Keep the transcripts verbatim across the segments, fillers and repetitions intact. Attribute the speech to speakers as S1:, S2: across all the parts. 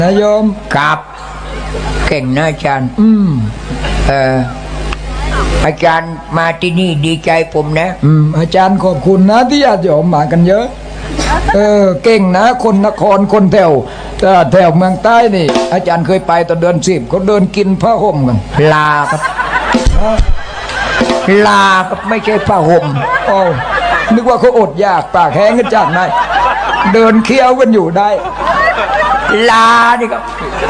S1: นายโยม
S2: ครับเก่งนะอาจารย์
S1: อืม
S2: เอออาจารย์มาที่นี่ดีใจผมนะ
S1: อืมอาจารย์ขอบคุณนะที่ญาติโยมมากันเยอะเออเก่งนะคนนครคนแถวแถวเมืองใต้นี่อาจารย์เคยไปตอนเดือนสิบเขาเดินกินผ้าห่มกัน
S2: ลาครับลาครับไม่ใช่ผ้าห่ม
S1: โอ้นึกว่าเขาอดอยากปากแห้งกันจากไหนเดินเคี้ยวกันอยู่ได้
S2: ลานี่ครับ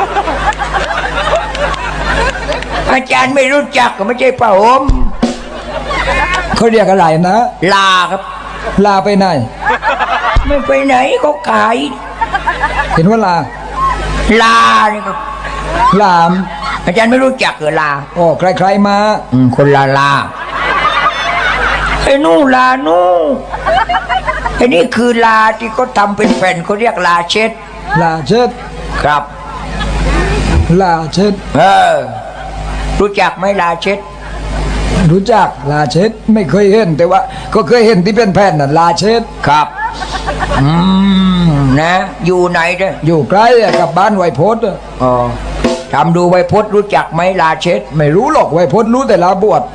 S2: อาจารย์ไม่รู้จักก็ไม่ใช่ผ้าห่ม
S1: เขาเรียกอะไรนะ
S2: ลาครับ
S1: ลาไปไหน
S2: ไม่ไปไหนก็ขาย
S1: เห็นว่าลา
S2: ลานี่ครับ
S1: ลาม
S2: อาจารย์ไม่รู้จักเหรอลา
S1: โอ้ใครๆมา
S2: อืมคนลาลาไอ้นู่นลานู่นไอ้นี่คือลาที่เขาทำเป็นแผ่นเขาเรียกลาเช็ด
S1: ลาเช็ด
S2: ครับ
S1: ลาเช็ด
S2: เออรู้จักไหมลาเช็ด
S1: รู้จักลาเช็ดไม่เคยเห็นแต่ว่าก็เคยเห็นที่เป็นแผ่นน่ะลาเช็ด
S2: ครับอืมนะอยู่ไหนเด้อ
S1: อยู่ใกล้กับบ้านไวโพส
S2: อ๋อทำดูไวโพสรู้จักไหมลาเช็ด
S1: ไม่รู้หรอกไวโพสรู้แต่ลาบวช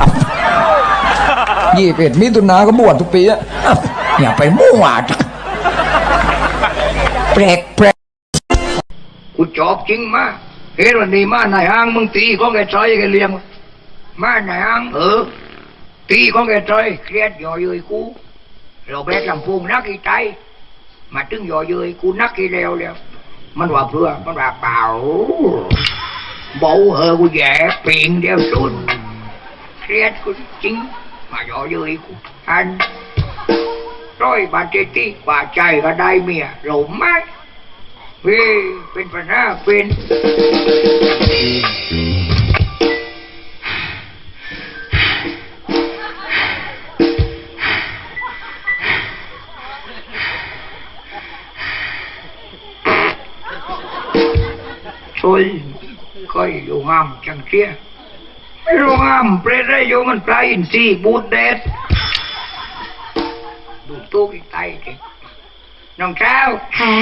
S1: ยี่สิบเอ็ดมิถุนาก็บวชทุกปีอะ
S2: อย่าไปมั่วแปลกแปลก
S3: กูจอบจริงมาเฮ้ยวันนี้มาในห้างมึงตีของแกจอยแกเลี้ยงมาในห้างเออตีของแกจอยเครียดย่อเย้ยกูเราแบกลำพูงนักอีใจมาตึงย่อเย้ยกูนักอีเลวแล้วมันว่าเพื่อมันว่าเปล่าเบาเฮอกูแย่เปลี่ยนเดียวสุดเครียดกูจริงมาย่อเย้ยกูอันร้อยบาทเจติกว่าใจก็ได้เมียเราไม่เฮ้ยเป็นปัญหาเป็นช่วยก็อยู่งามจังเชียไม่รู้งามเปรตได้อยู่มันปลาอินทรีบูดเด็ดดูตู้อีกไตจริงน้องเช้า
S4: ค่ะ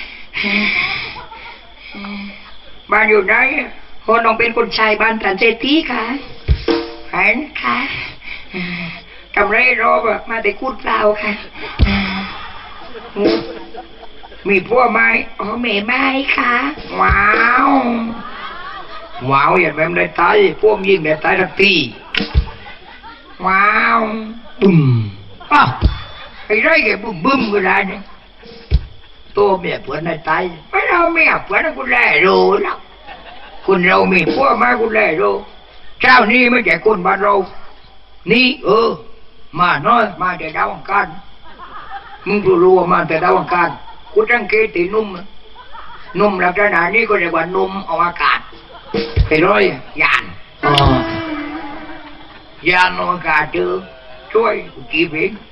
S3: บ้านอยู่ไหน
S4: คนน้องเป็นคนชายบ้านสันเจตีค่ะ
S3: เห็น
S4: ค่ะ
S3: ทำไรรอบอะ
S4: มาแต่กูดเปล่าค่ะ
S3: มีพวกไหม
S4: อ๋อเมย์ไม่ค่ะ
S3: ว้าวว้าวอย่างแบบได้ตายพวกยิงได้ตายทักทีว้าวบึ้มอ้าวไอ้ไรแกบึ้มบึ้มก็ได้เนี่ยตัวเมียเพื่อนได้ตายไม่เราเมียเพื่อนกูแล่รู้แล้วคุณเรามีพวกมากูแล่รู้เจ้านี่ไม่ใช่คนบ้านเรานี่เออมาน้อยมาแต่ดาวอังคารมึงรู้ว่ามาแต่ดาวอังคารกูตั้งเกตินุ่มนุ่มลักษณะนี้ก็เรียกว่านุ่มอวกาศไปร้อยยานอ๋อยานอวกาศเจอช่วยกูจีบเอง